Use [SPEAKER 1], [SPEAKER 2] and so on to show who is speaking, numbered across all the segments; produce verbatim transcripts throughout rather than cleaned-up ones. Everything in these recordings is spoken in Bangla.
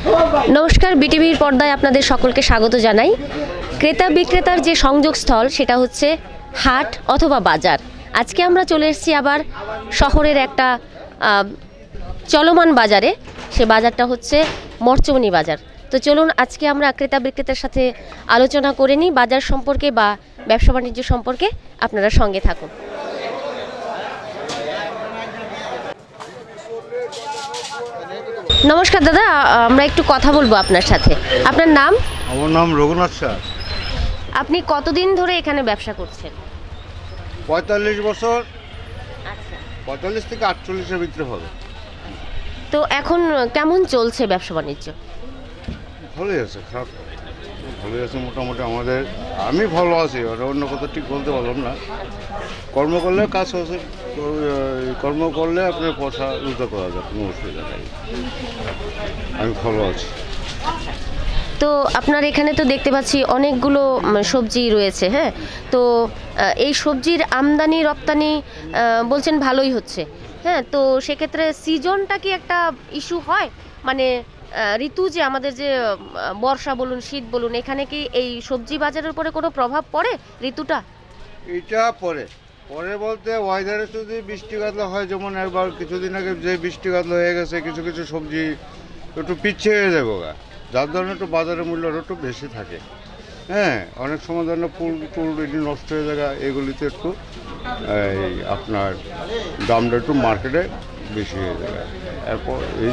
[SPEAKER 1] নমস্কার, বিটিভির পর্দায় আপনাদের সকলকে স্বাগত জানাই। ক্রেতা বিক্রেতার যে সংযোগস্থল সেটা হচ্ছে হাট অথবা বাজার। আজকে আমরা চলে এসেছি আবার শহরের একটা চলমান বাজারে। সে বাজারটা হচ্ছে মরচমনি বাজার। তো চলুন আজকে আমরা ক্রেতা বিক্রেতার সাথে আলোচনা করে নিই বাজার সম্পর্কে বা ব্যবসা বাণিজ্য সম্পর্কে। আপনারা সঙ্গে থাকুন। নমস্কার দাদা, আমরা একটু কথা বলবো আপনার সাথে। আপনার নাম?
[SPEAKER 2] আমার নাম রঘুনাথ স্যার।
[SPEAKER 1] আপনি কতদিন ধরে এখানে ব্যবসা করছেন?
[SPEAKER 2] পঁয়তাল্লিশ বছর।
[SPEAKER 1] আচ্ছা,
[SPEAKER 2] পঁয়তাল্লিশ থেকে আটচল্লিশের ভিতরে হবে।
[SPEAKER 1] তো এখন কেমন চলছে ব্যবসা বাণিজ্য?
[SPEAKER 2] ভালোই আছে, খারাপ ভালোই আছে মোটামুটি। আমাদের আমি ভালো আছি, আর অন্য কথা ঠিক বলতে পারলাম না। কর্ম করলে কাজ হচ্ছে, কর্ম করলে আপনার পয়সা রোজগার করা যায়, কোনো অসুবিধা নেই। আমি ভালো আছি।
[SPEAKER 1] তো আপনার এখানে তো দেখতে পাচ্ছি অনেকগুলো সবজি রয়েছে, হ্যাঁ? তো এই সবজির আমদানি রপ্তানি বলছেন ভালোই হচ্ছে, হ্যাঁ? তো সেক্ষেত্রে সিজনটা কি একটা ইস্যু হয়? মানে ঋতু যে আমাদের যে বর্ষা বলুন শীত বলুন, এখানে কি এই সবজি বাজারের উপরে কোনো প্রভাব পড়ে ঋতুটা?
[SPEAKER 2] এটা পরে পরে বলতে ওয়েদারে যদি বৃষ্টি কাতলা হয়, যেমন একবার কিছুদিন আগে যে বৃষ্টি কাতলা হয়ে গেছে, কিছু কিছু সবজি একটু পিছিয়ে হয়ে যাবে, যার ধরনের একটু বাজারের মূল্যটা একটু বেশি থাকে। হ্যাঁ, অনেক সময় ধরনের ফুল টুল এটি নষ্ট হয়ে যায়, এগুলিতে একটু এই আপনার দামটা একটু মার্কেটে বেশি হয়ে যায়। এরপর এই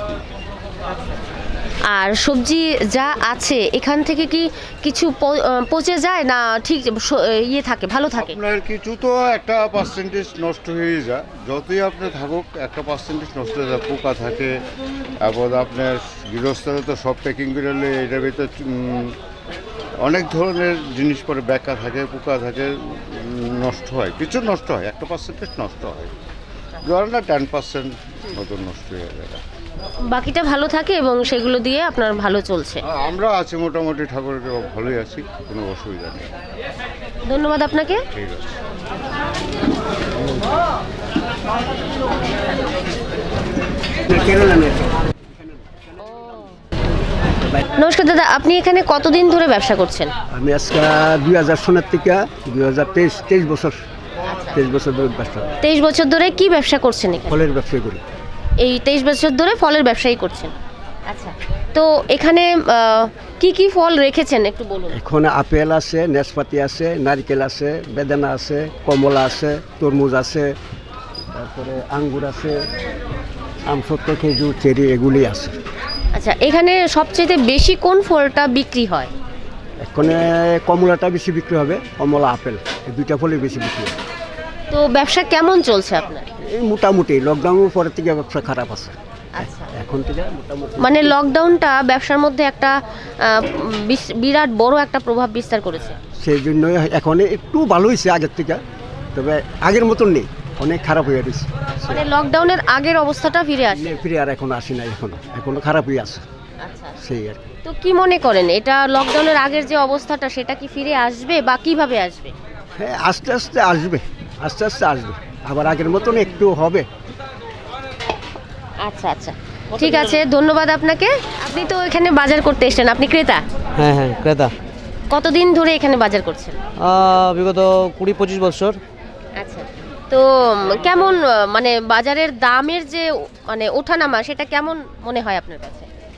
[SPEAKER 1] আর সবজি যা আছে এখান থেকে কি কিছু পচে যায় না ঠিক ইয়ে থাকে, ভালো থাকে?
[SPEAKER 2] আপনার কিছু তো একটা পার্সেন্টেজ নষ্ট হয়ে যায়, যতই আপনি থাকুক একটা পার্সেন্টেজ নষ্ট হয়ে যায়, পোকা থাকে। তারপর আপনার গৃহস্থরা তো সব প্যাকিং করলে এটার ভিতরে অনেক ধরনের জিনিস পরে ব্যাকা থাকে, পোকা থাকে, নষ্ট হয়, কিছু নষ্ট হয়, একটা পার্সেন্টেজ নষ্ট হয়, ধরেন না টেন পার্সেন্ট মতো নষ্ট হয়ে যায়,
[SPEAKER 1] বাকিটা ভালো থাকে এবং সেগুলো দিয়ে আপনার ভালো চলছে।
[SPEAKER 2] আমরা আছি মোটামুটি, ঠাকুরের ভালোই আছি, কোনো অসুবিধা নেই।
[SPEAKER 1] ধন্যবাদ আপনাকে।
[SPEAKER 2] ঠিক আছে।
[SPEAKER 1] নমস্কার দাদা, আপনি এখানে কতদিন ধরে ব্যবসা করছেন?
[SPEAKER 3] আমি আজকে দুই হাজার সনের থেকে দুই হাজার তেইশ তেইশ বছর তেইশ বছর ধরে ব্যবসা।
[SPEAKER 1] তেইশ বছর ধরে কি ব্যবসা করছেন এখানে?
[SPEAKER 3] ফলের ব্যবসা করি।
[SPEAKER 1] এই তেইশ বছর ধরে ফলের ব্যবসায়ী করছেন। আচ্ছা, তো এখানে কি কি ফল রেখেছেন একটু বলুন।
[SPEAKER 3] এখন আপেল আছে, নাশপাতি আছে, নারকেল আছে, বেদানা আছে, কমলা আছে, তরমুজ আছে, তারপরে আঙ্গুর আছে, আমসত্ত্ব, খেজুর, চেরি, এগুলি আছে।
[SPEAKER 1] আচ্ছা, এখানে সবচেয়ে বেশি কোন ফলটা বিক্রি হয়?
[SPEAKER 3] এখানে কমলাটা বেশি বিক্রি হবে, কমলা আপেল এই দুইটা ফলই বেশি বিক্রি হবে।
[SPEAKER 1] তো ব্যবসা কেমন চলছে আপনার?
[SPEAKER 3] এই মোটামুটি, লকডাউনের পরের থেকে ব্যবসা খারাপ আছে।
[SPEAKER 1] আচ্ছা,
[SPEAKER 3] এখন থেকে মোটামুটি
[SPEAKER 1] মানে লকডাউনটা ব্যবসার মধ্যে একটা বিরাট বড় একটা প্রভাব বিস্তার করেছে।
[SPEAKER 3] সেই জন্যই এখন একটু ভালো হয়েছে আগের থেকে, তবে আগের মতন নেই, অনেক খারাপ হয়ে গেছে।
[SPEAKER 1] মানে লকডাউনের আগের অবস্থাটা ফিরে আসে?
[SPEAKER 3] ফিরে আর এখন আসে না, এখনো এখনো খারাপ হয়ে আছে।
[SPEAKER 1] আচ্ছা,
[SPEAKER 3] সেই আর কি।
[SPEAKER 1] তো কি মনে করেন এটা লকডাউনের আগের যে অবস্থাটা সেটা কি ফিরে আসবে বা কিভাবে আসবে?
[SPEAKER 3] হ্যাঁ, আস্তে আস্তে আসবে, আস্তে আস্তে আসবে, আবার আগের মতন একটু হবে।
[SPEAKER 1] আচ্ছা আচ্ছা, ঠিক আছে, ধন্যবাদ আপনাকে। আপনি তো এখানে বাজার করতে এসেছেন, আপনি ক্রেতা?
[SPEAKER 4] হ্যাঁ হ্যাঁ, ক্রেতা।
[SPEAKER 1] কতদিন ধরে এখানে বাজার করছেন?
[SPEAKER 4] বিগত কুড়ি পঁচিশ বছর।
[SPEAKER 1] আচ্ছা, তো কেমন মানে বাজারের দামের যে মানে ওঠানামা সেটা কেমন মনে হয় আপনার কাছে?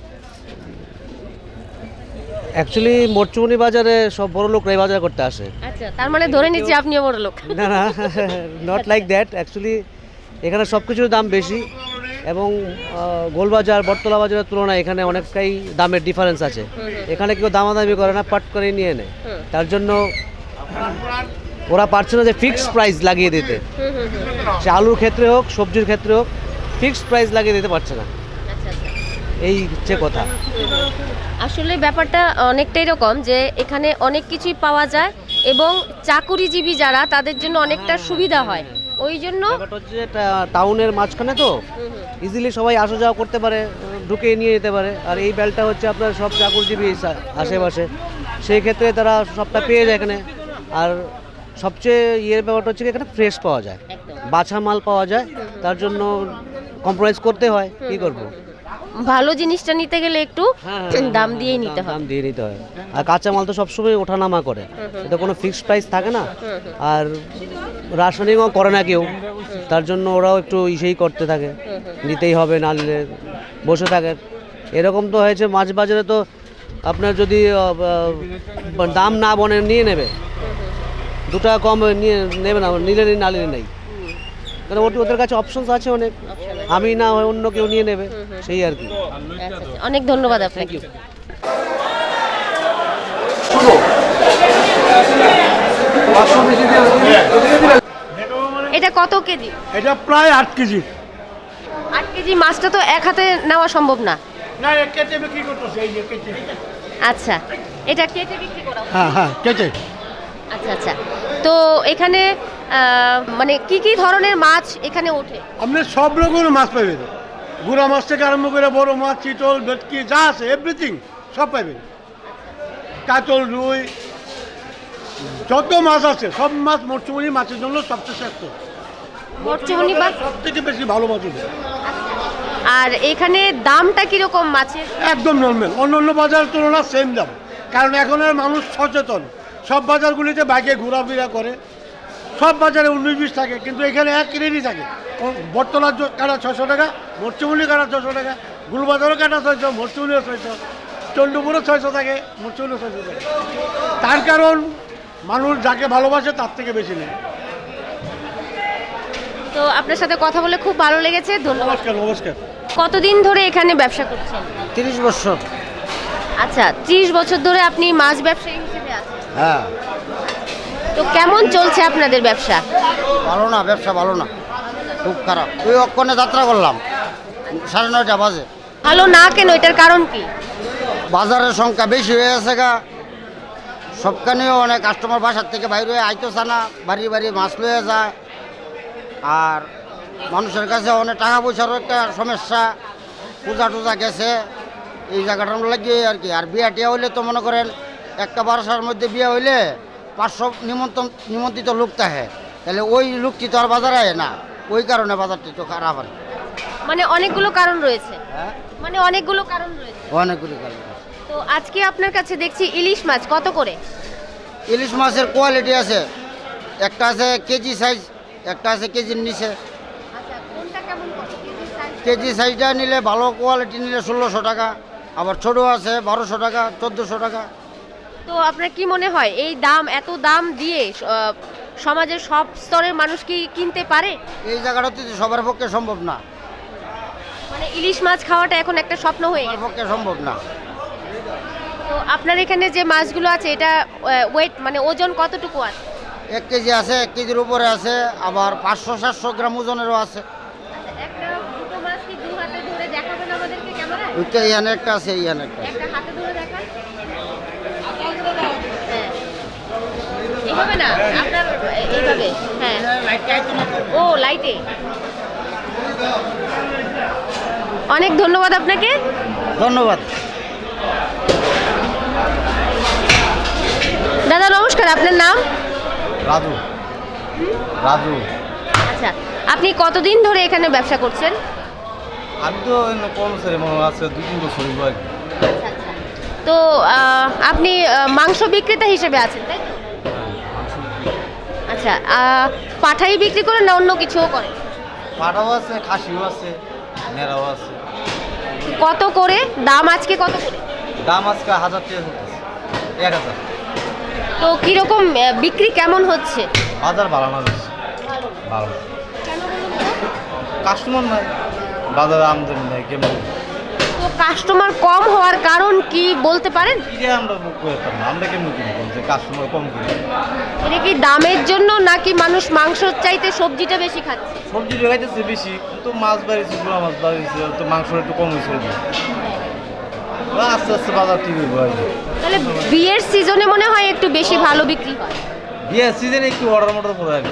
[SPEAKER 4] অ্যাকচুয়ালি মরচুমনি বাজারে সব বড় লোকরাই বাজার করতে আসে।
[SPEAKER 1] আচ্ছা, তার মানে ধরে নিচ্ছি আপনিও বড় লোক?
[SPEAKER 4] না না, নট লাইক দ্যাট। অ্যাকচুয়ালি এখানে সব কিছুর দাম বেশি এবং গোলবাজার বটতলা বাজারের তুলনায় এখানে অনেকটাই দামের ডিফারেন্স আছে। এখানে কেউ দামাদামি করে না, পাট করে নিয়ে নেয়। তার জন্য ওরা পারছে না যে ফিক্সড প্রাইস লাগিয়ে দিতে, সে আলুর ক্ষেত্রে হোক সবজির ক্ষেত্রে হোক, ফিক্সড প্রাইস লাগিয়ে দিতে পারছে না। এই হচ্ছে কথা।
[SPEAKER 1] আসলে ব্যাপারটা অনেকটা এরকম যে এখানে অনেক কিছুই পাওয়া যায় এবং চাকুরিজীবী যারা তাদের জন্য অনেকটা সুবিধা হয়, ওই জন্য
[SPEAKER 4] ব্যাপারটা হচ্ছে টাউনের মাঝখানে তো ইজিলি সবাই আসা যাওয়া করতে পারে, ঢুকে নিয়ে যেতে পারে। আর এই বেলটা হচ্ছে আপনার সব চাকুরিজীবী আশেপাশে, সেই ক্ষেত্রে তারা সবটা পেয়ে যায় এখানে। আর সবচেয়ে ইয়ের ব্যাপারটা হচ্ছে এখানে ফ্রেশ পাওয়া যায়, বাছা মাল পাওয়া যায়, তার জন্য কম্প্রোমাইজ করতে হয়, কী করবো।
[SPEAKER 1] ভালো জিনিসটা নিতে গেলে একটু দাম দিয়েই নিতে হয়।
[SPEAKER 4] দাম দিয়ে নিতে হয়। আর কাঁচামাল তো সবসময় ওঠানামা করে, এটা কোনো ফিক্সড প্রাইস থাকে না। আর রাসায়নিকও করে না কেউ, তার জন্য ওরাও একটু ইসেই করতে থাকে, নিতেই হবে না নিলে বসে থাকে। এরকম তো হয়েছে মাছ বাজারে তো আপনার যদি আহ, আহ, দাম না বনে নিয়ে নেবে, দু টাকা কম নিয়ে নেবে না, নিলে নিয়ে না নিলে নেই। কারণ ওটি ওদের কাছে অপশনস আছে অনেক, আমি না হয় অন্য কেউ নিয়ে নেবে, সেই আর কি।
[SPEAKER 1] আচ্ছা, আচ্ছা। অনেক ধন্যবাদ আপনাকে। এটা কত কেজি?
[SPEAKER 5] এটা প্রায় আট কেজি।
[SPEAKER 1] আট কেজি মাছটা তো এক হাতে নেওয়া সম্ভব না।
[SPEAKER 5] না কেটে বিক্রি করতেছে, এই যে কেটে।
[SPEAKER 1] আচ্ছা, এটা কেটে বিক্রি করা হয়?
[SPEAKER 5] হ্যাঁ হ্যাঁ কেটে।
[SPEAKER 1] আচ্ছা আচ্ছা। তো এখানে আহ, মানে কি কি ধরনের মাছ এখানে ওঠে?
[SPEAKER 5] আপনি সব রকমের মাছ পাবেন, গুড়া মাছ থেকে আরম্ভ করে বড় মাছ, চিতল, ভেটকি যা আছে এভরিথিং সব পাবেন। কাতল, রুই, যত মাছ আছে সব মাছ মরচুমনি মাছের জন্য সবচেয়ে শ্রেষ্ঠ।
[SPEAKER 1] মরচুমনি মাছ
[SPEAKER 5] সব থেকে বেশি ভালো মাছ হবে।
[SPEAKER 1] আর এখানে দামটা কিরকম মাছের?
[SPEAKER 5] একদম নর্মাল, অন্য অন্য বাজারের তুলনায় সেম দাম। কারণ এখন আর মানুষ সচেতন, সব বাজারগুলিতে বাইকে ঘোরাফেরা করে, সব বাজারে উনিশ বিশ থাকে, কিন্তু এখানে এক রেটই থাকে। বটতলার জ- কাটা ছশো টাকা, মরচুমুলি কাটা ছশো টাকা, গুলবাজারও কাটা ছয়শো, মরচুমুলিও ছয়শো, চন্ডুপুরও ছয়শো থাকে, মরচুমুলিও ছয়শো থাকে। তার কারণ মানুষ যাকে ভালোবাসে তার থেকে বেশি নেয়।
[SPEAKER 1] তো আপনার সাথে কথা বলে খুব ভালো লেগেছে, ধন্যবাদ।
[SPEAKER 5] নমস্কার নমস্কার।
[SPEAKER 1] কতদিন ধরে এখানে ব্যবসা করছেন?
[SPEAKER 3] তিরিশ বছর।
[SPEAKER 1] আচ্ছা, ত্রিশ বছর ধরে আপনি মাছ ব্যবসায়ী হিসেবে আছেন।
[SPEAKER 3] হ্যাঁ,
[SPEAKER 1] তো কেমন চলছে আপনাদের ব্যবসা?
[SPEAKER 3] ভালো না, ব্যবসা ভালো না, খুব খারাপ। ওই অক্ষণে যাত্রা করলাম সাড়ে নয়টা বাজে।
[SPEAKER 1] ভালো না কেন, এটার কারণ কি?
[SPEAKER 3] বাজারের সংখ্যা বেশি হয়ে গেছে গা, সবখানেও অনেক কাস্টমার বাসার থেকে বাইরে হয়ে আইতেছে না, বাড়ি বাড়ি মাছ লয়ে যায়। আর মানুষের কাছে অনেক টাকা পয়সারও একটা সমস্যা, পূজা টুজা গেছে, এই জায়গাটার লাগিয়ে আর কি। আর বিয়া টিয়া হইলে তো মনে করেন একটা বারোশোর মধ্যে বিয়ে হইলে পাঁচশো নিমন্ত্রণ নিমন্ত্রিত লোক থাকে, তাহলে ওই লোকটি তো আর বাজারে আয় না, ওই কারণে বাজারটি তো খারাপ আর কি।
[SPEAKER 1] মানে অনেকগুলো কারণ রয়েছে,
[SPEAKER 3] হ্যাঁ,
[SPEAKER 1] মানে অনেকগুলো কারণ রয়েছে।
[SPEAKER 3] অনেকগুলি কারণ।
[SPEAKER 1] তো আজকে আপনার কাছে দেখছি ইলিশ মাছ কত করে?
[SPEAKER 3] ইলিশ মাছের কোয়ালিটি আছে, একটা আছে কেজি সাইজ, একটা আছে কেজির নিচে।
[SPEAKER 1] আচ্ছা, কোনটা কেমন কত কেজি সাইজ?
[SPEAKER 3] কেজি সাইজটা নিলে ভালো কোয়ালিটি নিলে ষোলোশো টাকা, আবার ছোটো আছে বারোশো টাকা, চোদ্দোশো টাকা।
[SPEAKER 1] তো আপনার কি মনে হয় এই দাম, এত দাম দিয়ে আহ, সমাজের সব স্তরের মানুষ কি কিনতে পারে?
[SPEAKER 3] এই জায়গাটাতে তো সবার পক্ষে সম্ভব না,
[SPEAKER 1] মানে ইলিশ মাছ খাওয়াটা এখন একটা স্বপ্ন হয়ে
[SPEAKER 3] সবার
[SPEAKER 1] গেছে।
[SPEAKER 3] পক্ষে সম্ভব না।
[SPEAKER 1] তো আপনার এখানে যে মাছগুলো আছে এটা ওয়েট মানে ওজন কতটুকু আছে?
[SPEAKER 3] এক কেজি আছে, এক কেজির উপরে আছে, আবার পাঁচশো সাতশো গ্রাম ওজনেরও আছে।
[SPEAKER 1] আচ্ছা, একটা দুটো মাছ কি দু হাতে ধরে দেখাবেন আমাদেরকে ক্যামেরায়?
[SPEAKER 3] ওইটা এখানে একটা আছে, এখানে একটা আছে।
[SPEAKER 1] একটা হাতে ধরে দেখান। হ্যাঁ, এইভাবে না, আপনার এইভাবে। হ্যাঁ, ও লাইটে। অনেক ধন্যবাদ আপনাকে।
[SPEAKER 3] ধন্যবাদ।
[SPEAKER 1] দাদা নমস্কার, আপনার নাম?
[SPEAKER 3] রাজু। রাজু।
[SPEAKER 1] আচ্ছা, আপনি কতদিন ধরে এখানে ব্যবসা করছেন?
[SPEAKER 6] আমি তো কর্মচারী মনে আছে দুই তিন বছর হইলো আর কি।
[SPEAKER 1] আচ্ছা, আচ্ছা। তো আহ, আপনি আহ, মাংস বিক্রেতা হিসেবে আছেন তাই তো? আচ্ছা, আহ, পাঠাই বিক্রি করেন না অন্য কিছুও করেন?
[SPEAKER 6] পাটাও আছে, খাসিও আছে, নেড়াও আছে।
[SPEAKER 1] কত করে দাম আজকে, কত করে?
[SPEAKER 6] দাম আজকে হাজার টাকা করতেছে, এক হাজার।
[SPEAKER 1] তো কিরকম আহ, বিক্রি কেমন হচ্ছে?
[SPEAKER 6] বাজার ভালো না বেশি, ভালো না।
[SPEAKER 1] কেন বলুন তো?
[SPEAKER 6] কাস্টমার নাই, বাজারে আমদানি নাই, কেমন
[SPEAKER 1] তো কাস্টমার কম হওয়ার কারণ কি বলতে পারেন?
[SPEAKER 6] কিনে আমরা বুক করে পারবো না, আমরা কেমন কিনবো যে কাস্টমার কম কিনে।
[SPEAKER 1] এটা কি দামের জন্য নাকি মানুষ মাংস চাইতে সবজিটা বেশি খাচ্ছে?
[SPEAKER 6] সবজি লাগাইতেছে বেশি, কিন্তু মাছ বাড়িয়েছে, গুঁড়া মাছ বাড়িয়েছে, তো মাংসটা একটু কম হয়েছে। আস্তে আস্তে বাজার ঠিক হইব আর কি।
[SPEAKER 1] তাহলে বিয়ের সিজনে মনে হয় একটু বেশি ভালো বিক্রি হয়।
[SPEAKER 6] বিয়ের সিজনে একটু অর্ডার মর্ডার করে আর কি।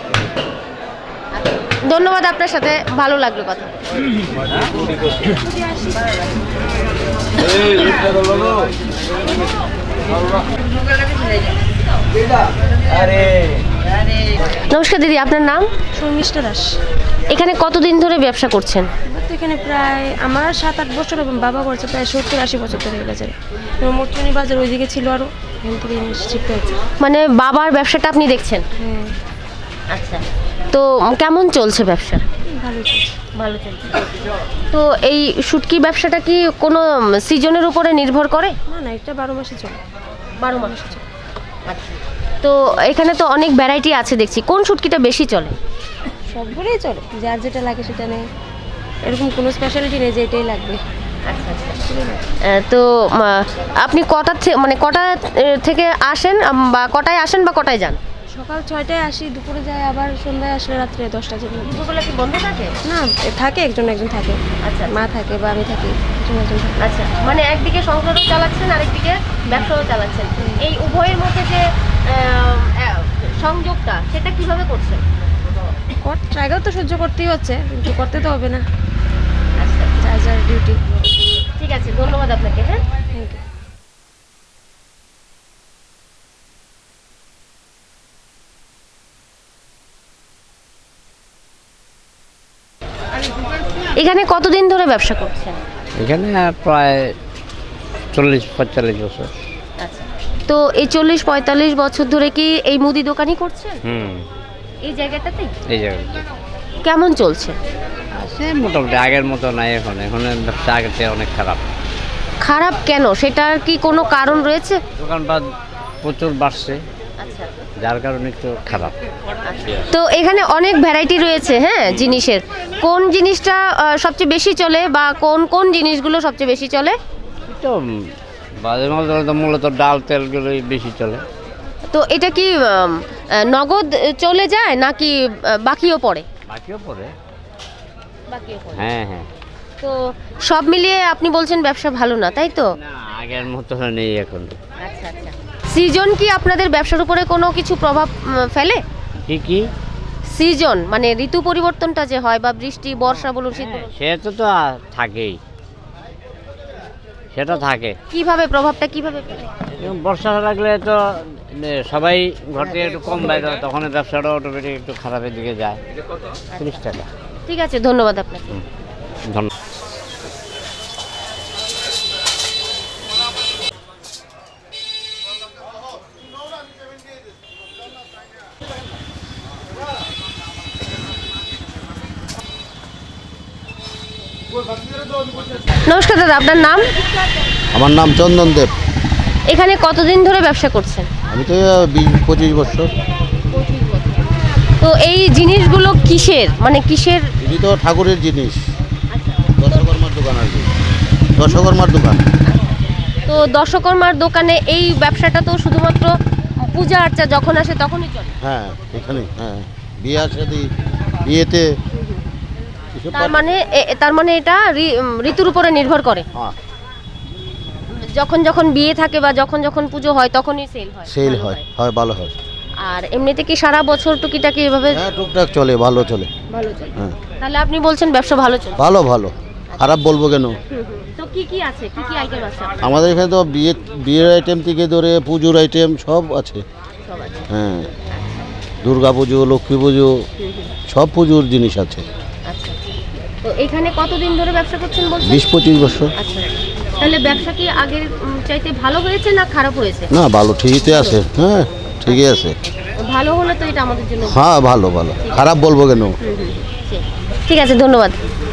[SPEAKER 1] ধন্যবাদ, আপনার সাথে ভালো লাগলো কথা। নমস্কার দিদি, আপনার নাম?
[SPEAKER 7] শর্মিষ্ঠা দাস।
[SPEAKER 1] এখানে কতদিন ধরে ব্যবসা করছেন?
[SPEAKER 7] এবার তো এখানে প্রায় আমার সাত আট বছর এবং বাবা করছে প্রায় সত্তর আশি বছর ধরে এই বাজারে। এবং মোটরনি বাজার ওইদিকে ছিল আরও, এখান থেকে শিফট হয়েছে।
[SPEAKER 1] মানে বাবার ব্যবসাটা আপনি দেখছেন?
[SPEAKER 7] হ্যাঁ,
[SPEAKER 1] আচ্ছা, তো কেমন চলছে ব্যবসা?
[SPEAKER 7] ভালো চলছে।
[SPEAKER 1] ভালো চলছে। তো এই শুটকি ব্যবসাটা কি কোনো সিজনের উপরে নির্ভর করে?
[SPEAKER 7] না না, এটা বারো মাসে চলে।
[SPEAKER 1] বারো মাসে চলে। আচ্ছা, তো এখানে তো অনেক ভ্যারাইটি আছে দেখছি, কোন শুটকিটা বেশি চলে?
[SPEAKER 7] সবগুলোই চলে, যার যেটা লাগে সেটা নেই, এরকম কোনো স্পেশালিটি নেই যে এটাই লাগবে।
[SPEAKER 1] আচ্ছা আচ্ছা। আহ, তো উম, আপনি কটা থে- মানে কটা আহ, থেকে আসেন আম, বা কটায় আসেন বা কটায় যান?
[SPEAKER 7] সকাল ছয়টায় আসি, দুপুরে যাই, আবার সন্ধ্যায় আসলে রাত্রে দশটা যে
[SPEAKER 1] দুপুরবেলা কি বন্ধ থাকে?
[SPEAKER 7] না, থাকে একজন একজন থাকে।
[SPEAKER 1] আচ্ছা
[SPEAKER 7] মা থাকে বা আমি থাকি, একজন একজন থাকে।
[SPEAKER 1] আচ্ছা, মানে একদিকে সংসারও চালাচ্ছেন আরেকদিকে ব্যবসাও চালাচ্ছেন, এই উভয়ের মধ্যে যে আহ, আহ, সংযোগটা সেটা কিভাবে করছেন?
[SPEAKER 7] ট্রাইগেও তো সহ্য করতেই হচ্ছে, কিন্তু করতে তো হবে না,
[SPEAKER 1] আচ্ছা,
[SPEAKER 7] যার যার ডিউটি।
[SPEAKER 1] ঠিক আছে, ধন্যবাদ আপনাকে। হ্যাঁ,
[SPEAKER 7] থ্যাংক ইউ।
[SPEAKER 1] এখানে কতদিন ধরে ব্যবসা করছেন?
[SPEAKER 8] এখানে প্রায় চল্লিশ পঁয়তাল্লিশ বছর।
[SPEAKER 1] আচ্ছা, তো এই চল্লিশ পঁয়তাল্লিশ বছর ধরে কি এই মুদি দোকানই করছেন
[SPEAKER 8] হুম
[SPEAKER 1] এই জায়গাটাতেই?
[SPEAKER 8] এই জায়গাটা
[SPEAKER 1] কেমন চলছে?
[SPEAKER 8] আছে মোটামুটি, আগের মতো নাই এখন। এখন ব্যবসা আগের চেয়ে অনেক খারাপ।
[SPEAKER 1] খারাপ কেন, সেটার কি কোনো কারণ রয়েছে?
[SPEAKER 8] দোকানপাট প্রচুর বাড়ছে,
[SPEAKER 1] আচ্ছা,
[SPEAKER 8] যার কারণে একটু খারাপ।
[SPEAKER 1] তো এখানে অনেক ভ্যারাইটি রয়েছে হ্যাঁ জিনিসের, কোন জিনিসটা আহ, সবচেয়ে বেশি চলে বা কোন কোন জিনিসগুলো সবচেয়ে বেশি চলে?
[SPEAKER 8] তো বাজে মাল তো মূলত ডাল তেলগুলোই বেশি চলে।
[SPEAKER 1] তো এটা কি উম, আহ, নগদ চলে যায় নাকি আহ, বাকিও পড়ে?
[SPEAKER 8] বাকিও পড়ে।
[SPEAKER 1] বাকিও পড়ে।
[SPEAKER 8] হ্যাঁ হ্যাঁ।
[SPEAKER 1] তো সব মিলিয়ে আপনি বলছেন ব্যবসা ভালো না, তাই তো?
[SPEAKER 8] না, আগের মতো নেই এখন।
[SPEAKER 1] আচ্ছা আচ্ছা। সিজন কি আপনাদের ব্যবসার উপরে কোনো কিছু প্রভাব উম, ফেলে?
[SPEAKER 8] কি কি?
[SPEAKER 1] সিজন মানে ঋতু পরিবর্তনটা যে হয়, বা বৃষ্টি বর্ষা বলুন শীত বলুন,
[SPEAKER 8] সেটা তো আ- থাকেই, সেটা থাকে।
[SPEAKER 1] কিভাবে প্রভাবটা কিভাবে ফেলে?
[SPEAKER 8] এবং বর্ষা লাগলে তো এ, সবাই ঘর থেকে একটু কম বাইরে হয়, তখন ব্যবসাটা অটোমেটিক একটু খারাপের দিকে যায়। তিরিশ টাকা।
[SPEAKER 1] ঠিক আছে, ধন্যবাদ আপনাকে।
[SPEAKER 8] ধন্যবাদ।
[SPEAKER 1] নমস্কার দাদা, আপনার নাম?
[SPEAKER 9] আমার নাম চন্দন দেব।
[SPEAKER 1] এখানে কতদিন ধরে ব্যবসা করছেন?
[SPEAKER 9] আমি তো বিশ পঁচিশ বছর।
[SPEAKER 1] তো এই জিনিসগুলো কিসের, মানে কিসের?
[SPEAKER 9] এটি তো ঠাকুরের জিনিস, দশকর্মার দোকান আর কি, দশকর্মার দোকান।
[SPEAKER 1] তো দশকর্মার দোকানে এই ব্যবসাটা তো শুধুমাত্র পূজা আর্চা যখন আসে তখনই চলে?
[SPEAKER 9] হ্যাঁ এখানে, হ্যাঁ বিয়ে সাথে বিয়েতে এসব
[SPEAKER 1] তার মানে এ- তার মানে এটা ঋ- উম, ঋতুর উপরে নির্ভর করে,
[SPEAKER 9] হ্যাঁ
[SPEAKER 1] যখন যখন বিয়ে থাকে বা যখন যখন পুজো হয় তখনই সেল হয়,
[SPEAKER 9] সেল
[SPEAKER 1] ভালো
[SPEAKER 9] হয়, হয় ভালো হয়।
[SPEAKER 1] আর এমনিতে কি সারা বছর টুকিটাকি এভাবে
[SPEAKER 9] হ্যাঁ টুকটাক চলে, ভালো চলে।
[SPEAKER 1] ভালো চলে?
[SPEAKER 9] হ্যাঁ
[SPEAKER 1] তাহলে আপনি বলছেন ব্যবসা ভালো চলে?
[SPEAKER 9] ভালো ভালো, খারাপ বলবো কেন?
[SPEAKER 1] হুম, হুম। তো কি কি আছে, কি কি আইটেম আছে আপনার?
[SPEAKER 9] আমাদের এখানে তো বিয়ে বিয়ের আইটেম থেকে ধরে পুজোর আইটেম সব আছে।
[SPEAKER 1] সব আছে।
[SPEAKER 9] হ্যাঁ দুর্গা পুজো, লক্ষ্মী পুজো, সব পুজোর জিনিস আছে।
[SPEAKER 1] আচ্ছা, তো এখানে কতদিন ধরে ব্যবসা করছেন বলছেন?
[SPEAKER 9] বিশ পঁচিশ বছর।
[SPEAKER 1] আচ্ছা, তাহলে ব্যবসা কি আগের উম, চাইতে ভালো হয়েছে না খারাপ হয়েছে?
[SPEAKER 9] না ভালো, ঠিকই আছে। হ্যাঁ ঠিকই আছে।
[SPEAKER 1] ভালো হলে তো এটা আমাদের জন্য।
[SPEAKER 9] হ্যাঁ ভালো ভালো, খারাপ বলবো কেন?
[SPEAKER 1] হুম, হুম, ঠিক। ঠিক আছে, ধন্যবাদ।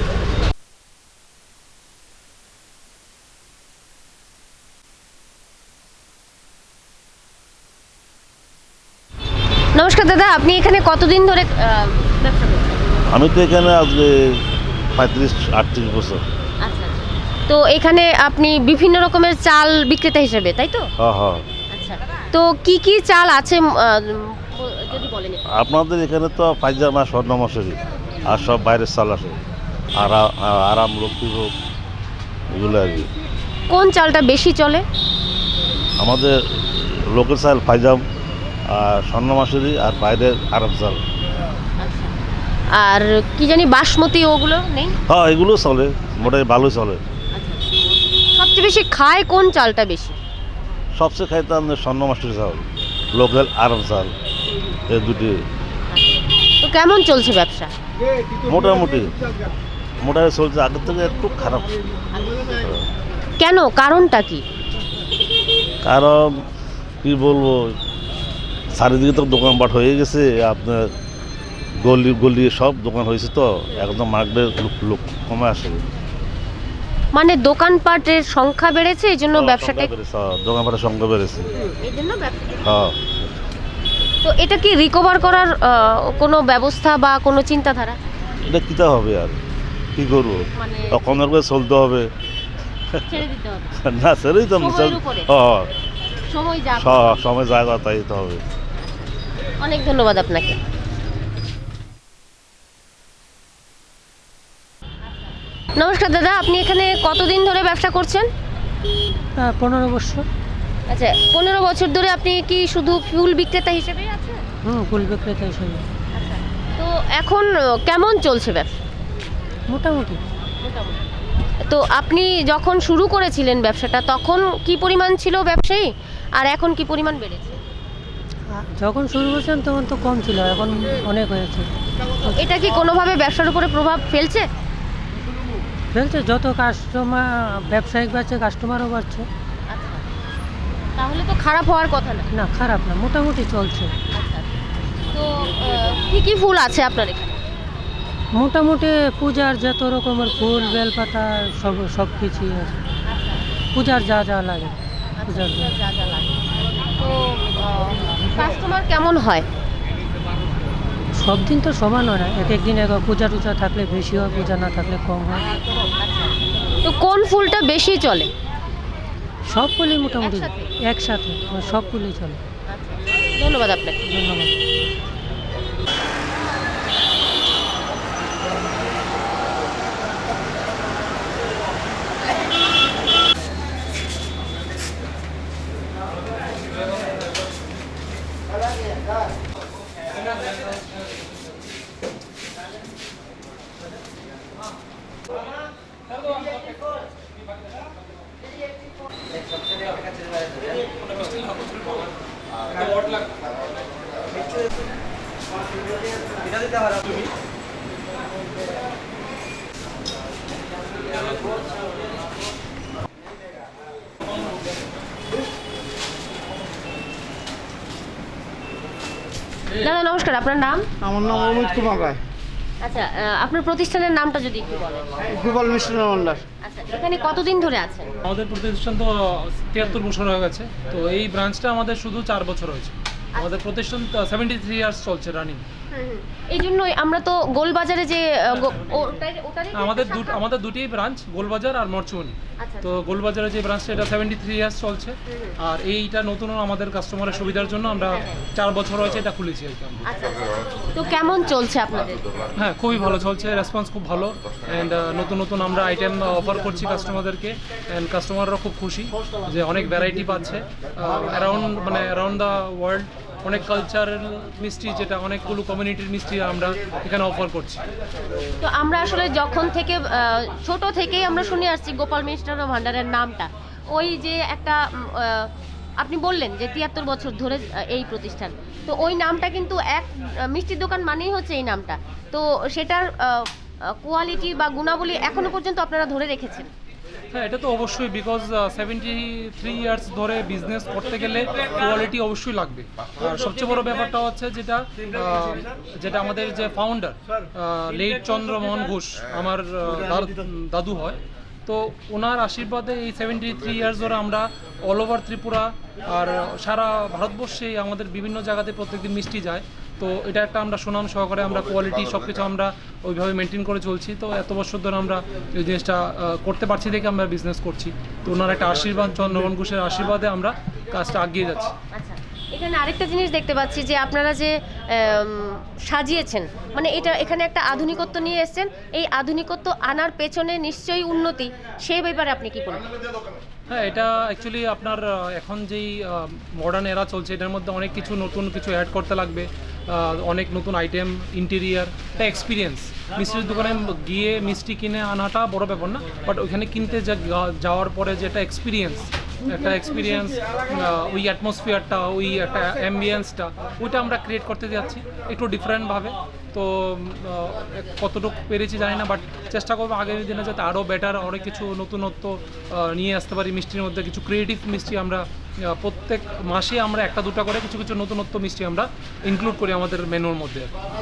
[SPEAKER 1] নমস্কার দাদা, আপনি এখানে কতদিন ধরে আহ, ব্যবসা করছেন?
[SPEAKER 10] আমি তো এখানে আজকে পঁয়ত্রিশ আটত্রিশ বছর।
[SPEAKER 1] আচ্ছা, তো এখানে আপনি বিভিন্ন রকমের চাল বিক্রেতা হিসেবে, তাই তো?
[SPEAKER 10] হ্যাঁ হ্যাঁ।
[SPEAKER 1] আচ্ছা, তো কি কি চাল আছে উম, আহ, যদি বলেন একটু।
[SPEAKER 10] আপনাদের এখানে তো পায়জামা, স্বর্ণ মশুরি আর সব বাইরের চাল আসে, আরা- আরাম, লক্ষ্মীভোগ, এগুলো আর কি।
[SPEAKER 1] কোন চালটা বেশি চলে?
[SPEAKER 10] আমাদের লোকের চাল পাইজাম আর স্বর্ণ মাসুরি, আর বাইরের আরাম চাল।
[SPEAKER 1] আচ্ছা, আর কি জানি বাসমতি ওগুলো নেই?
[SPEAKER 10] হ্যাঁ এগুলো চলে, মোটামুটি ভালোই চলে।
[SPEAKER 1] আচ্ছা, সবচেয়ে বেশি খায় কোন চালটা বেশি?
[SPEAKER 10] সবচেয়ে খাইতে আমাদের স্বর্ণ মাসুরি চাল, লোকাল আরাম চাল, এই দুটি
[SPEAKER 1] তো কেমন চলছে ব্যবসা?
[SPEAKER 10] মোটামুটি মোটামুটি চলছে, আগের থেকে একটু খারাপ।
[SPEAKER 1] কেন, কারণটা কি?
[SPEAKER 10] কারণ কি বলবো, চারিদিকে তো দোকানপাট হয়ে গেছে, আপনার গলি গলি সব দোকান হয়েছে, তো একদম মার্কেটের লোক লোক কমে আসে।
[SPEAKER 1] মানে দোকানপাটের সংখ্যা বেড়েছে, এই জন্য ব্যবসাটা
[SPEAKER 10] দোকানপাটের সংখ্যা বেড়েছে।
[SPEAKER 1] এই জন্য ব্যবসাটা।
[SPEAKER 10] হ্যাঁ।
[SPEAKER 1] তো এটা কি রিকভার করার আহ, কোনো ব্যবস্থা বা কোনো চিন্তাধারা?
[SPEAKER 10] এটা কিতা হবে আর কি করবো,
[SPEAKER 1] মানে
[SPEAKER 10] তখন আর করে চলতে হবে।
[SPEAKER 1] ছেড়ে দিতে হবে,
[SPEAKER 10] না ছেড়েই তো
[SPEAKER 1] সময়ের উপরে।
[SPEAKER 10] হ্যাঁ,
[SPEAKER 1] সময় যা
[SPEAKER 10] স- সময় জায়গা তাই তো হবে।
[SPEAKER 1] অনেক ধন্যবাদ আপনাকে। নমস্কার দাদা, আপনি এখানে কতদিন ধরে ব্যবসা করছেন?
[SPEAKER 7] পনেরো বছর।
[SPEAKER 1] আচ্ছা, পনেরো বছর ধরে আপনি কি শুধু ফুল বিক্রেতা হিসেবেই আছেন?
[SPEAKER 7] হুম, ফুল বিক্রেতা হিসেবে।
[SPEAKER 1] তো এখন আহ, কেমন চলছে ব্যবসা?
[SPEAKER 7] মোটামুটি।
[SPEAKER 1] তো আপনি যখন শুরু করেছিলেন ব্যবসাটা, তখন কি পরিমাণ ছিল ব্যবসায়ী, আর এখন কি পরিমাণ বেড়েছে?
[SPEAKER 7] যখন শুরু করছিলাম তখন তো কম ছিল, এখন অনেক হয়েছে।
[SPEAKER 1] তো এটা কি কোনোভাবে ব্যবসার উপরে প্রভাব ফেলছে?
[SPEAKER 7] ফেলছে, যত কাস্টমার ব্যবসায়িক বাড়ছে কাস্টমারও বাড়ছে।
[SPEAKER 1] তাহলে তো খারাপ হওয়ার কথা না।
[SPEAKER 7] না, খারাপ না, মোটামুটি চলছে।
[SPEAKER 1] তো আহ, কি কি ফুল আছে আপনার এখানে?
[SPEAKER 7] মোটামুটি পূজার যত রকমের ফুল, বেলপাতা, সব সব কিছুই আছে। পূজার যা যা লাগে পূজার জন্য।
[SPEAKER 1] যা যা লাগে। তো কাস্টমার কেমন হয়?
[SPEAKER 7] সব দিন তো সমান হয় না, এক এক দিন এক পূজা টুজা থাকলে বেশি হয়, পূজা না থাকলে কম হয়।
[SPEAKER 1] তো কোন ফুলটা বেশি চলে?
[SPEAKER 7] সব ফুলই মোটামুটি একসাথে, সব ফুলই চলে।
[SPEAKER 1] ধন্যবাদ আপনাকে।
[SPEAKER 7] ধন্যবাদ।
[SPEAKER 1] দাদা নমস্কার, আপনার নাম?
[SPEAKER 3] আমার নাম অমিত কুমার রায়,
[SPEAKER 1] আচ্ছা, আহ, আপনার প্রতিষ্ঠানের নামটা যদি একটু বলেন।
[SPEAKER 3] গোপাল মিষ্টান্ন ভান্ডার।
[SPEAKER 1] আচ্ছা, এখানে কতদিন ধরে আছেন?
[SPEAKER 11] আমাদের প্রতিষ্ঠান তো তিয়াত্তর বছর হয়ে গেছে, তো এই ব্রাঞ্চটা আমাদের শুধু চার বছর হয়েছে। আমাদের প্রতিষ্ঠান সেভেন্টি থ্রি ইয়ার্স চলছে রানিং।
[SPEAKER 1] এই জন্যই আমরা তো গোলবাজারে যে আহ, গো- ওটাই- ওটারই
[SPEAKER 11] আমাদের
[SPEAKER 1] শাখা?
[SPEAKER 11] দুটো আমাদের দুটি ব্রাঞ্চ, গোলবাজার আর মরচুয়ানি।
[SPEAKER 1] আচ্ছা,
[SPEAKER 11] তো গোলবাজারে যে ব্রাঞ্চটা, এটা সেভেন্টি থ্রি ইয়ার্স চলছে, আর এইটা নতুন আমাদের কাস্টমারের সুবিধার জন্য আমরা চার বছর হয়েছে এটা খুলেছি আর কি আমরা।
[SPEAKER 1] আচ্ছা, তো কেমন চলছে আপনাদের?
[SPEAKER 11] হ্যাঁ, খুবই ভালো চলছে, রেসপন্স খুব ভালো, অ্যান্ড নতুন নতুন আমরা আইটেম অফার করছি কাস্টমারদেরকে, অ্যান্ড কাস্টমাররা খুব খুশি যে অনেক ভ্যারাইটি পাচ্ছে অ্যারাউন্ড মানে অ্যারাউন্ড দ্য ওয়ার্ল্ড। অনেক কালচারাল মিষ্টি, যেটা অনেকগুলো কমিউনিটির মিষ্টি আমরা এখানে অফার করছি।
[SPEAKER 1] তো আমরা আসলে যখন থেকে আহ, ছোট থেকেই আমরা শুনে আসছি গোপাল মিষ্টান্ন ভান্ডারের নামটা, ওই যে একটা উম, আহ, আপনি বললেন যে তিয়াত্তর বছর ধরে আহ, এই প্রতিষ্ঠান, তো ওই নামটা কিন্তু এক আহ, মিষ্টির দোকান মানেই হচ্ছে এই নামটা, তো সেটার কোয়ালিটি বা গুণাবলী এখনো পর্যন্ত আপনারা ধরে রেখেছেন।
[SPEAKER 11] হ্যাঁ, এটা তো অবশ্যই, বিকজ সেভেন্টি থ্রি ইয়ার্স ধরে বিজনেস করতে গেলে কোয়ালিটি অবশ্যই লাগবে। আর সবচেয়ে বড় ব্যাপারটা হচ্ছে যেটা আহ, যেটা আমাদের যে ফাউন্ডার লেট চন্দ্রমোহন ঘোষ, আমার আহ, দাদ- দাদু হয়, তো ওনার আশীর্বাদে এই সেভেন্টি থ্রি ইয়ার্স ধরে আমরা অল ওভার ত্রিপুরা আর সারা ভারতবর্ষে আমাদের বিভিন্ন জায়গাতে প্রত্যেকদিন মিষ্টি যায়। তো এটা একটা আমরা সুনাম সহকারে আমরা কোয়ালিটি সব কিছু আমরা ওইভাবে মেনটেন করে চলছি। তো এত বছর ধরে আমরা এই জিনিসটা আহ, করতে পারছি দেখে আমরা বিজনেস করছি। তো ওনার একটা আশীর্বাদ, চন্দ্রমোহন ঘোষের আশীর্বাদে আমরা কাজটা এগিয়ে যাচ্ছি।
[SPEAKER 1] আচ্ছা, এখানে আরেকটা জিনিস দেখতে পাচ্ছি যে আপনারা যে আম, সাজিয়েছেন, মানে এটা এখানে একটা আধুনিকত্ব নিয়ে এসেছেন, এই আধুনিকত্ব আনার পেছনে নিশ্চয়ই উন্নতি, সেই ব্যাপারে আপনি কি বলবেন?
[SPEAKER 11] হ্যাঁ, এটা অ্যাকচুয়ালি আপনার আহ, এখন যেই মডার্ন এরা চলছে, এটার মধ্যে অনেক কিছু নতুন কিছু অ্যাড করতে লাগবে, আহ, অনেক নতুন আইটেম, ইন্টেরিয়ার, একটা এক্সপিরিয়েন্স। মিষ্টির দোকানে গিয়ে মিষ্টি কিনে আনাটা বড় ব্যাপার না, বাট ওইখানে কিনতে যা যাওয়ার পরে যেটা এক্সপিরিয়েন্স, একটা এক্সপিরিয়েন্স, ওই অ্যাটমসফিয়ারটা, ওই একটা অ্যাম্বিয়েন্সটা, ওইটা আমরা ক্রিয়েট করতে যাচ্ছি একটু ডিফারেন্টভাবে। তো আহ, কতটুকু পেরেছি জানি না, বাট চেষ্টা করবো আগামী দিনে যাতে আরও বেটার অনেক কিছু নতুনত্ব আহ, নিয়ে আসতে পারি। মিষ্টির মধ্যে কিছু ক্রিয়েটিভ মিষ্টি আমরা আহ, প্রত্যেক মাসে আমরা একটা দুটো করে কিছু কিছু নতুনত্ব মিষ্টি আমরা ইনক্লুড করি আমাদের মেনুর মধ্যে।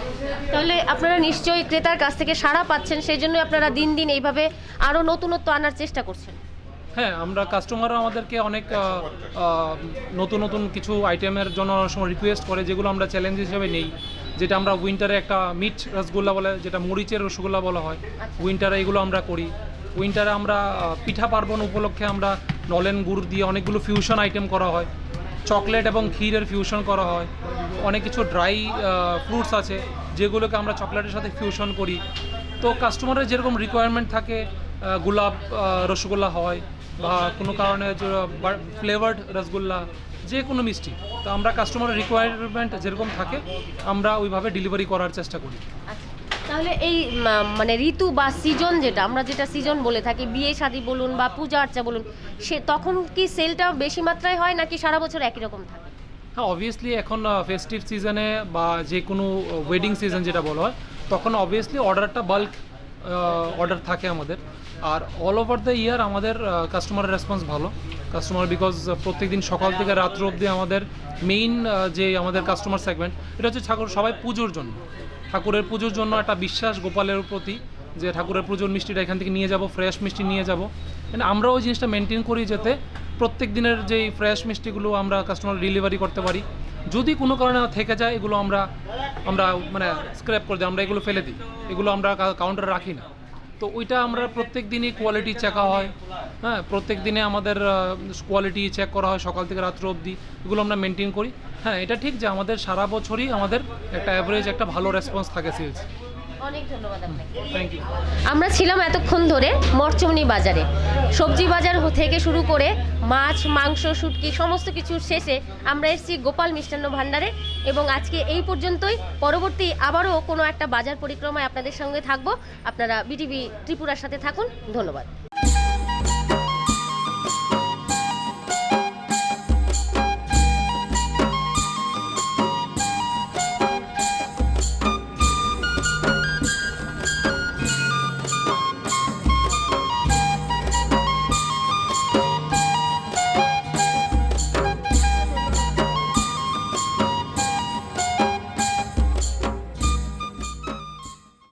[SPEAKER 1] তাহলে আপনারা নিশ্চয়ই ক্রেতার কাছ থেকে সাড়া পাচ্ছেন, সেই জন্য আপনারা দিন দিন এইভাবে আরও নতুনত্ব আনার চেষ্টা করছেন।
[SPEAKER 11] হ্যাঁ, আমরা কাস্টমাররা আমাদেরকে অনেক আহ, আহ, নতুন নতুন কিছু আইটেমের জন্য অনেক সময় রিকোয়েস্ট করে, যেগুলো আমরা চ্যালেঞ্জ হিসেবে নেই। যেটা আমরা উইন্টারে একটা মিট রসগোল্লা বলে, যেটা মরিচের রসগোল্লা বলা হয়, উইন্টারে এগুলো আমরা করি। উইন্টারে আমরা আহ, পিঠা পার্বণ উপলক্ষে আমরা নলেন গুড় দিয়ে অনেকগুলো ফিউশন আইটেম করা হয়, চকলেট এবং ক্ষীরের ফিউশন করা হয়। অনেক কিছু ড্রাই ফ্রুটস আছে যেগুলোকে আমরা চকলেটের সাথে ফিউশন করি। তো কাস্টমারের যেরকম রিকোয়ারমেন্ট থাকে, আহ, গোলাপ আহ, রসগোল্লা হয় বা কোনো কারণে ফ্লেভার্ড রসগোল্লা, যে কোনো মিষ্টি, তো আমরা কাস্টমারের রিকোয়ারমেন্ট যেরকম থাকে আমরা ওইভাবে ডেলিভারি করার চেষ্টা করি।
[SPEAKER 1] তাহলে এই মা- মানে ঋতু বা সিজন, যেটা আমরা যেটা সিজন বলে থাকি, বিয়ে শাদী বলুন বা পূজা আর্চা বলুন, সে তখন কি সেলটা বেশি মাত্রায় হয় নাকি সারা বছর একই রকম থাকে?
[SPEAKER 11] হ্যাঁ, অবভিয়াসলি এখন ফেস্টিভ সিজনে বা যে কোনো ওয়েডিং সিজন যেটা বলা হয়, তখন অবভিয়াসলি অর্ডারটা বাল্ক অর্ডার থাকে আমাদের। আর অল ওভার দ্য ইয়ার আমাদের কাস্টমারের রেসপন্স ভালো। কাস্টমার বিকজ প্রত্যেকদিন সকাল থেকে রাত্র অবধি আমাদের মেইন যে আমাদের কাস্টমার সেগমেন্ট, এটা হচ্ছে ঠাকুর সবাই পুজোর জন্য, ঠাকুরের পুজোর জন্য একটা বিশ্বাস গোপালের প্রতি, যে ঠাকুরের পুজোর মিষ্টিটা এখান থেকে নিয়ে যাব, ফ্রেশ মিষ্টি নিয়ে যাব। মানে আমরা ওই জিনিসটা মেনটেন করি যাতে প্রত্যেক দিনের যেই ফ্রেশ মিষ্টিগুলো আমরা কাস্টমার ডেলিভারি করতে পারি। যদি কোনো কারণে থেকে যায় এগুলো আমরা আমরা মানে স্ক্র্যাপ করে দিই, আমরা এগুলো ফেলে দিই, এগুলো আমরা কাউন্টারে রাখি না। তো ওইটা আমরা প্রত্যেক দিনই কোয়ালিটি চেকা হয়। হ্যাঁ, প্রত্যেক দিনে আমাদের কোয়ালিটি চেক করা হয় সকাল থেকে রাত্র অবধি, এগুলো আমরা মেনটেন করি। হ্যাঁ, এটা ঠিক যে আমাদের সারা বছরই আমাদের একটা অ্যাভারেজ একটা ভালো রেসপন্স থাকে সেলস।
[SPEAKER 1] অনেক ধন্যবাদ আপনাকে।
[SPEAKER 11] Thank you.
[SPEAKER 1] আমরা ছিলাম এতক্ষণ ধরে মরচমনি বাজারে। সবজি বাজার থেকে শুরু করে মাছ, মাংস, শুটকি সমস্ত কিছুর শেষে আমরা এসেছি গোপাল মিষ্টান্ন ভাণ্ডারে, এবং আজকে এই পর্যন্তই। পরবর্তী আবারও কোনো একটা বাজার পরিক্রমায় আপনাদের সঙ্গে থাকবো। আপনারা বিটিভি ত্রিপুরার সাথে থাকুন। ধন্যবাদ।